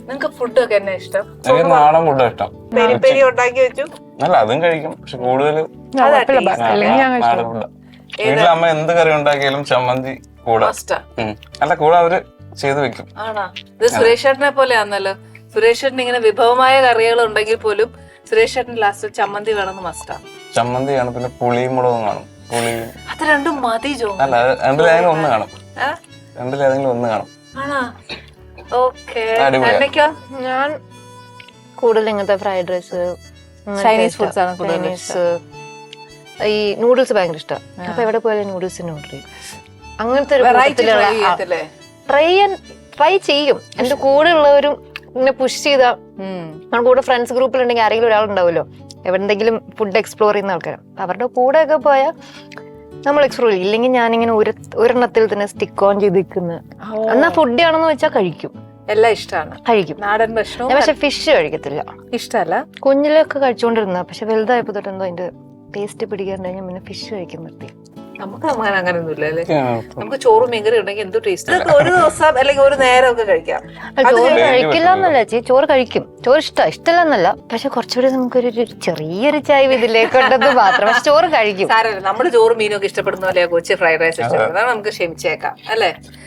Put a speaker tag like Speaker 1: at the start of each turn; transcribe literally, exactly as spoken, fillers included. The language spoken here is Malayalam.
Speaker 1: നിങ്ങക്ക് ഫുഡൊക്കെ എന്നാ ഇഷ്ടം?
Speaker 2: എനിക്ക് നാടൻ ഫുഡാ ഇഷ്ടം.
Speaker 1: പെരി പെരി ഉണ്ടാക്കി വെച്ചു.
Speaker 2: അല്ല അതും കഴിക്കും, പക്ഷെ കൂടുതലും
Speaker 1: അതാ
Speaker 2: നാടൻ ഫുഡാ. വീട്ടിലെ അമ്മ എന്ത് കറി ഉണ്ടാക്കിയാലും ചമ്മന്തി കൂടെ
Speaker 1: മസ്റ്റാ.
Speaker 2: ഉം. അല്ല കൂടെ അവര് ചെയ്ത് വെക്കും.
Speaker 1: ആണോ? ഇത് സുരേഷ് ചേട്ടനെ പോലെ ആണല്ലോ. സുരേഷ് ചേട്ടൻ ഇങ്ങനെ വിഭവമായ കറികൾ ഉണ്ടെങ്കിൽ പോലും സുരേഷ് ചേട്ടൻ ലാസ്റ്റ് ചമ്മന്തി വേണമെന്ന് മസ്റ്റാ.
Speaker 2: ചമ്മന്തി കാണും, പിന്നെ പുളിയും മുളകും കാണും. പുളി
Speaker 1: അത് രണ്ടും മതി ജോ.
Speaker 2: അല്ല രണ്ടിലേതെങ്കിലും ഒന്ന് കാണും. രണ്ടിലേതെങ്കിലും ഒന്ന് കാണും.
Speaker 1: ആണോ? ഓക്കേ.
Speaker 2: അടിപൊളിയാ.
Speaker 1: എന്നൊക്കെയോ
Speaker 3: ഞാൻ കൂടുതൽ ഇങ്ങനത്തെ ഫ്രൈഡ് റൈസ്,
Speaker 1: ചൈനീസ് ഫുഡ്സ് ആണ് കൂടുതൽ
Speaker 3: ചൈനീസ്, ഈ നൂഡിൽസ് ഭയങ്കര ഇഷ്ടം. അപ്പൊ എവിടെ പോയാലും നൂഡിൽസ് തന്നെ ഓർഡർ ചെയ്യും. അങ്ങനത്തെ ഒരു
Speaker 1: വെറൈറ്റി ചെയ്യത്തില്ലേ?
Speaker 3: ട്രൈ ട്രൈ ചെയ്യും. എന്റെ കൂടെ ഉള്ളവരും ഇങ്ങനെ പുഷ് ചെയ്ത നമ്മുടെ കൂടെ ഫ്രണ്ട്സ് ഗ്രൂപ്പിലുണ്ടെങ്കിൽ ആരെങ്കിലും ഒരാളുണ്ടാവുമല്ലോ എവിടെന്തെങ്കിലും ഫുഡ് എക്സ്പ്ലോർ ചെയ്യുന്ന ആൾക്കാരാണ്. അവരുടെ കൂടെ ഒക്കെ പോയാൽ നമ്മൾ എക്സ്പ്ലോർ ചെയ്യും. ഇല്ലെങ്കിൽ ഞാനിങ്ങനെ ഒരു ഒരെണ്ണത്തിൽ തന്നെ സ്റ്റിക്ക് ഓൺ ചെയ്ത് നിൽക്കുന്ന. എന്നാ ഫുഡ് ആണെന്ന് വെച്ചാൽ കഴിക്കും,
Speaker 1: എല്ലാം ഇഷ്ടമാണ്.
Speaker 3: കഴിക്കും.
Speaker 1: നാടൻ ഭക്ഷണം
Speaker 3: ഞാൻ പക്ഷെ ഫിഷ് കഴിക്കത്തില്ല.
Speaker 1: ഇഷ്ടല്ല.
Speaker 3: കുഞ്ഞിലൊക്കെ കഴിച്ചുകൊണ്ടിരുന്ന, പക്ഷെ വലുതായപ്പോ തൊട്ട് എന്തോ അതിന്റെ ടേസ്റ്റ് പിടിക്കാണ്ട് ഞാൻ പിന്നെ ഫിഷ് കഴിക്കാൻ നിർത്തി.
Speaker 1: നമുക്ക് അങ്ങനെ അങ്ങനെയൊന്നും ഇല്ല അല്ലേ? നമുക്ക് ചോറും മീൻകറി ഉണ്ടെങ്കിൽ എന്ത് ടേസ്റ്റ്. ഒരു ദിവസം അല്ലെങ്കിൽ ഒരു നേരം ഒക്കെ കഴിക്കാം.
Speaker 3: ചോറ് കഴിക്കില്ല എന്നല്ല ചേച്ചി, ചോറ് കഴിക്കും. ചോറ് ഇഷ്ടം ഇഷ്ടമല്ല എന്നല്ല, പക്ഷെ കുറച്ചുകൂടി നമുക്കൊരു ഒരു ചെറിയൊരു ചായ ഇതിലേക്ക് ഉണ്ടെന്ന് മാത്രം. പക്ഷെ ചോറ് കഴിക്കും.
Speaker 1: സാരമില്ല, നമ്മുടെ ചോറും മീനും ഒക്കെ ഇഷ്ടപ്പെടുന്ന പോലെ കൊച്ചി ഫ്രൈഡ് റൈസ് ഇഷ്ടപ്പെടുന്നത് നമുക്ക് ക്ഷമിച്ചേക്കാം അല്ലേ?